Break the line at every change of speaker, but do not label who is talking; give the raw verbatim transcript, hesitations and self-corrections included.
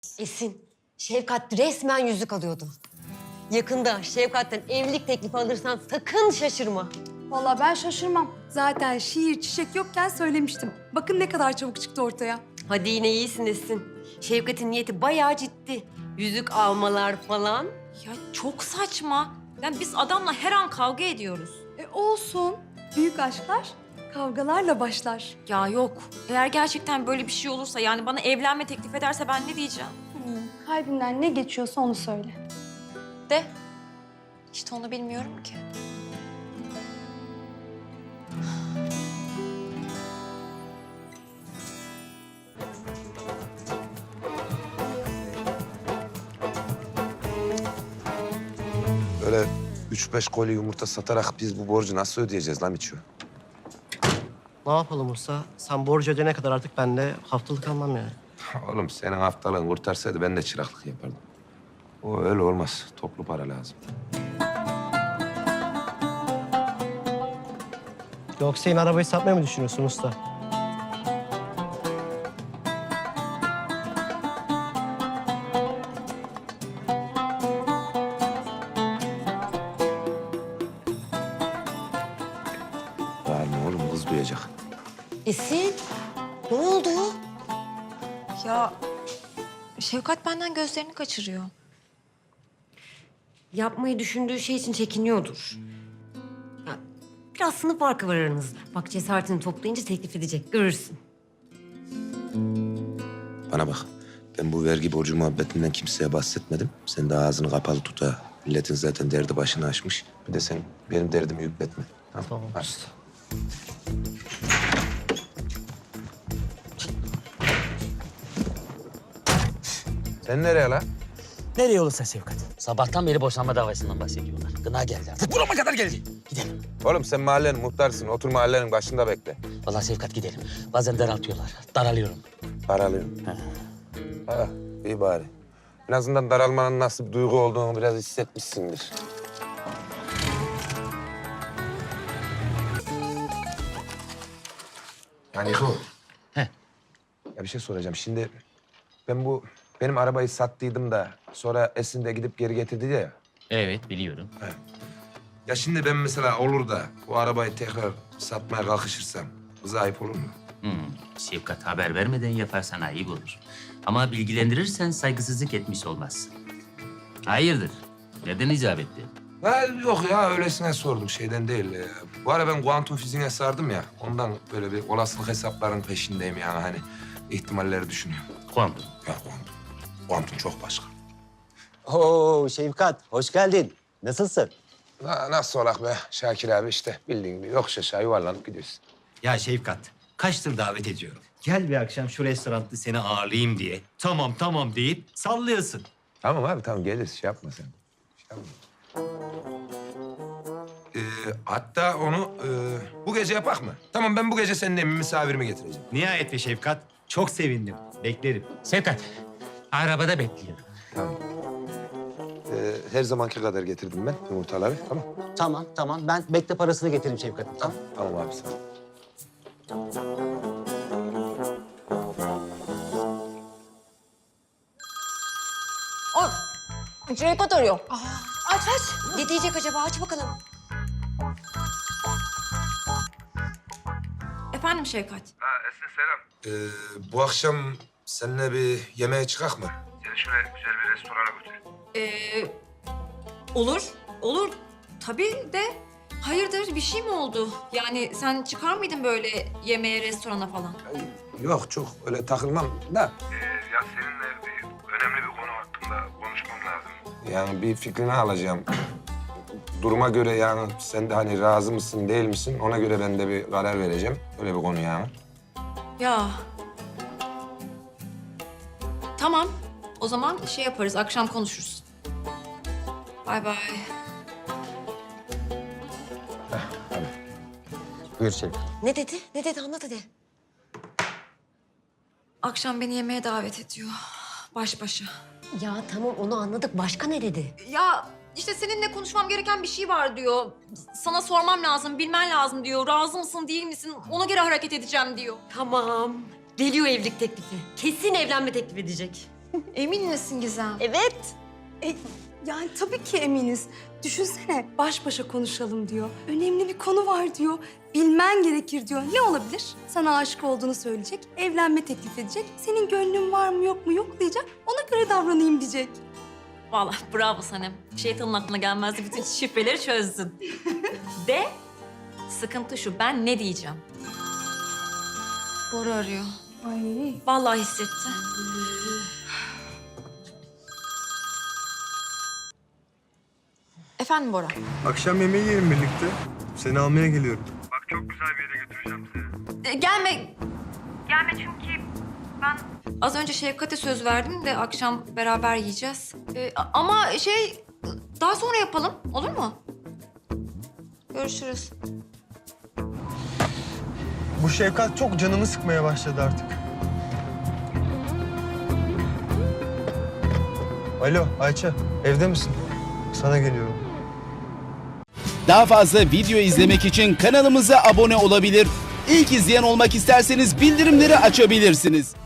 Esin, Şevkat resmen yüzük alıyordu. Yakında Şevkat'ten evlilik teklifi alırsan sakın şaşırma.
Vallahi ben şaşırmam. Zaten şiir, çiçek yokken söylemiştim. Bakın ne kadar çabuk çıktı ortaya.
Hadi yine iyisin Esin. Şevkat'in niyeti bayağı ciddi. Yüzük almalar falan.
Ya çok saçma. Yani biz adamla her an kavga ediyoruz.
E olsun. Büyük aşklar kavgalarla başlar.
Ya yok. Eğer gerçekten böyle bir şey olursa yani bana evlenme teklif ederse ben ne diyeceğim?
Hmm, kalbinden ne geçiyorsa onu söyle.
De. İşte onu bilmiyorum ki.
Böyle üç beş koli yumurta satarak biz bu borcu nasıl ödeyeceğiz lan Miço?
Ne yapalım Usta? Sen borcu ödeyene kadar artık ben de haftalık almam yani.
Oğlum senin haftalığın kurtarsaydı ben de çıraklık yapardım. O öyle olmaz. Toplu para lazım.
Yoksa yine arabayı satmayı mı düşünüyorsun Usta?
Bağırma oğlum kız duyacak.
Esin, ne oldu?
Ya Şevkat benden gözlerini kaçırıyor.
Yapmayı düşündüğü şey için çekiniyordur. Ya, biraz sınıf farkı var aranızda. Bak cesaretini toplayınca teklif edecek, görürsün.
Bana bak. Ben bu vergi borcu muhabbetinden kimseye bahsetmedim. Sen de ağzını kapalı tut ha. Milletin zaten derdi başını açmış. Bir de sen benim derdimi yükletme. Tamam.
Tamam.
Hadi. Sen nereye lan?
Nereye olursa Şevkat. Sabahtan beri boşanma davasından bahsediyorlar. Gına geldi artık. Burama kadar geldi. Gidelim.
Oğlum sen mahallenin muhtarsın. Otur mahallenin başında bekle.
Vallahi Şevkat gidelim. Bazen daraltıyorlar. Daralıyorum.
Daralıyorsun. Ha, iyi bari. En azından daralmanın nasıl bir duygu olduğunu biraz hissetmişsindir. Yani bu.
Heh.
Ya bir şey soracağım. Şimdi ben bu benim arabayı sattıydım da sonra Esin de gidip geri getirdi ya.
Evet biliyorum.
Ya şimdi ben mesela olur da bu arabayı tekrar satmaya kalkışırsam kıza ayıp olur mu?
Hmm. Şevkat haber vermeden yaparsan ayıp olur. Ama bilgilendirirsen saygısızlık etmiş olmazsın. Hayırdır? Neden icap etti?
Ha, yok ya öylesine sordum şeyden değil. Ee, Bu ara ben kuantum fiziğine sardım ya. Ondan böyle bir olasılık hesaplarının peşindeyim yani hani ihtimalleri düşünüyorum.
Kuantum.
Ya kuantum. Kuantum çok başka.
Oo Şevkat, hoş geldin. Nasılsın?
Na, nasıl olak be Şakir abi işte bildiğin gibi yokuş aşağı yuvarlanıp gidiyorsun.
Ya Şevkat, kaçtır davet ediyorum. Gel bir akşam şu restoranda seni ağırlayayım diye. Tamam tamam deyip sallıyorsun.
Tamam abi tamam geliriz şey yapma sen. Şey yapma. Ee, hatta onu e, bu gece yapak mı? Tamam ben bu gece senin evime misafirimi getireceğim.
Nihayet be Şevkat, çok sevindim. Beklerim.
Şevkat, arabada bekliyorum.
Tamam. Ee, her zamanki kadar getirdim ben yumurtaları tamam.
Tamam tamam, ben bekle parasını getireyim Şevkat'ım. Tamam.
Tamam abi sağ ol.
Şevkat arıyor. Aç aç. Ne diyecek acaba? Aç bakalım.
Efendim Şevkat.
Ee, bu akşam seninle bir yemeğe çıkak mı? Seni şöyle güzel bir restorana götüreyim.
Ee, olur, olur. Tabii de hayırdır bir şey mi oldu? Yani sen çıkar mıydın böyle yemeğe, restorana falan?
Yok çok öyle takılmam da.
Ya seninle bir önemli bir konu hakkında konuşmam lazım.
Yani bir fikrini alacağım. Duruma göre yani sen de hani razı mısın değil misin ona göre ben de bir karar vereceğim. Öyle bir konu yani.
Ya. Tamam. O zaman şey yaparız, akşam konuşuruz. Bay bay.
Buyur Şevkat.
Ne dedi? Ne dedi? Anlat hadi.
Akşam beni yemeğe davet ediyor. Baş başa.
Ya tamam onu anladık. Başka ne dedi?
Ya işte seninle konuşmam gereken bir şey var diyor. Sana sormam lazım, bilmen lazım diyor. Razı mısın, değil misin? Ona göre hareket edeceğim diyor.
Tamam. Geliyor evlilik teklifi. Kesin evlenme teklif edecek.
Emin misin Gizem?
Evet. E, yani tabii ki eminiz. Düşünsene baş başa konuşalım diyor. Önemli bir konu var diyor. Bilmen gerekir diyor. Ne olabilir? Sana aşık olduğunu söyleyecek, evlenme teklif edecek. Senin gönlün var mı yok mu yoklayacak. Ona göre davranayım diyecek.
Vallahi bravo Sanem. Şeytanın aklına gelmezdi, bütün şifreleri çözdün. De, sıkıntı şu, ben ne diyeceğim? Bora arıyor.
Ay.
Vallahi hissetti. Efendim Bora?
Akşam yemeği yiyelim birlikte. Seni almaya geliyorum.
Bak çok güzel bir yere götüreceğim seni.
E, gelme. Gelme çünkü ben... Az önce Şefkat'e söz verdim de akşam beraber yiyeceğiz. E, a- ama şey, daha sonra yapalım, olur mu? Görüşürüz.
Bu Şefkat çok canımı sıkmaya başladı artık. Alo Ayça, evde misin? Sana geliyorum.
Daha fazla video izlemek için kanalımıza abone olabilir. İlk izleyen olmak isterseniz bildirimleri açabilirsiniz.